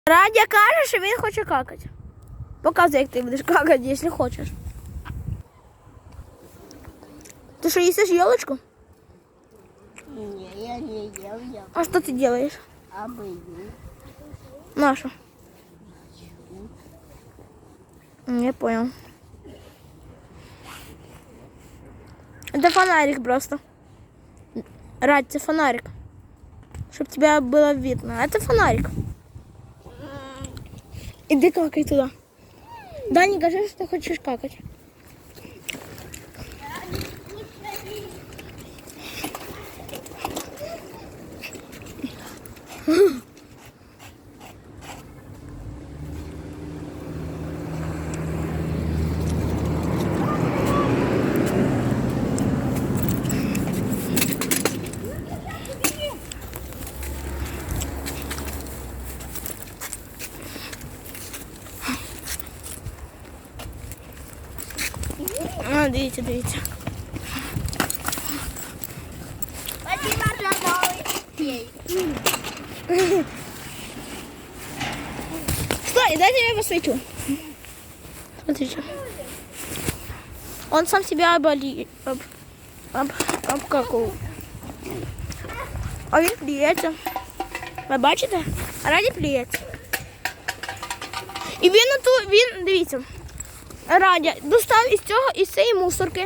Радя каже, що він хоче какати. Показуй, як ти будеш какати, якщо хочеш. Ти що, їсиш елочку? Не, я не ел, я А що ти робиш? обою. Наша. Я понял. Это фонарик просто. Радь, это фонарик. Чтобы тебя было видно. Это фонарик. Иди какай туда. Да, не кажи, что ты хочешь какать. А, дивіться, дивіться. Стой, дайте я посвечу. Смотрите. Он сам себя обкакал. А він плюється. Ви бачите? Раді плюється. І він, дивіться, Радя достав із цієї мусорки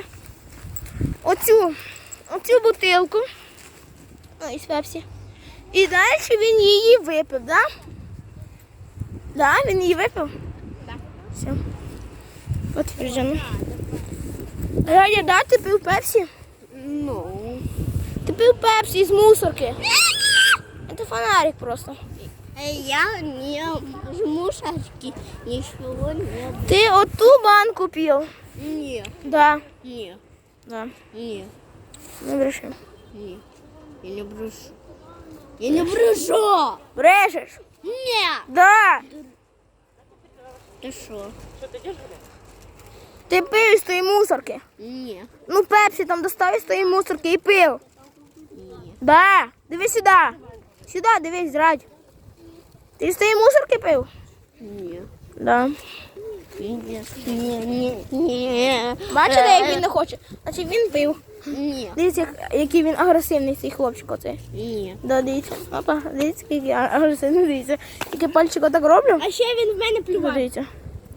оцю бутилку, із пепсі. І далі він її випив, да? Да, він її випив? Так. Все. Підтверджено. Радя, да, ти пив пепсі? Ну. Ти пив пепсі із мусорки. Це фонарик просто. Я не жму шашки, ничего не. Ти оту банку пив? Не, Да. не, Да. не, Не бреши. не. Я не брешу. Я не брешу! Брешеш? Не! Да. Ты что? Ти пив із тої мусорки. Не, Ну, пепсі там достав із тої мусорки і пив. не. Да. Дивись сюди. Сюди, дивись, Радь. Ти з тої мусорки пив? Не. Да. Не. Бачите, як він не хоче? Значить він пив. Не. Дивіться, який він агресивний, цей хлопчик оцей. Не. Да, дивіться. Опа, дивіться, який я агресивний, дивіться. Тільки пальчик отак роблю. А ще він в мене плював. Дивіться.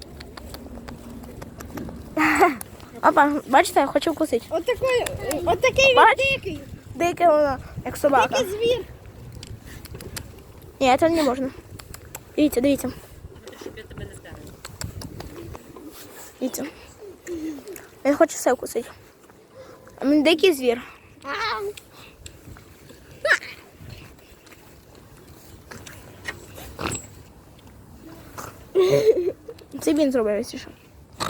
Опа, бачите, я хочу вкусити. Отакий Бач? дикий. Дике воно, як собака. Дикий звір. Ні, це не можна. Дивіться, дивіться. Дивіться. Він хоче все вкусити. А він дикий звір. Це він зробив, якщо що.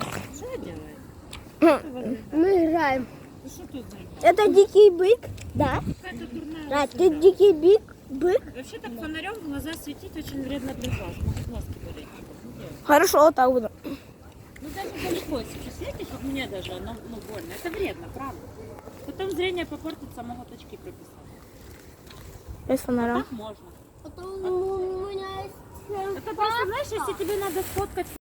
Мы играем. Это дикий бык? Да. Рад, ты дикий бык? Вообще так фонарем в глаза светить очень вредно для глаз. Может носки болеть. Хорошо, отак буду. Ну даже далеко, если светишь, вот мне даже оно больно. Это вредно, правда. Потом зрение попортится, могут очки прописать. Без фонаря. Так можно. Потом у меня есть... Это просто, знаешь, если тебе надо сфоткать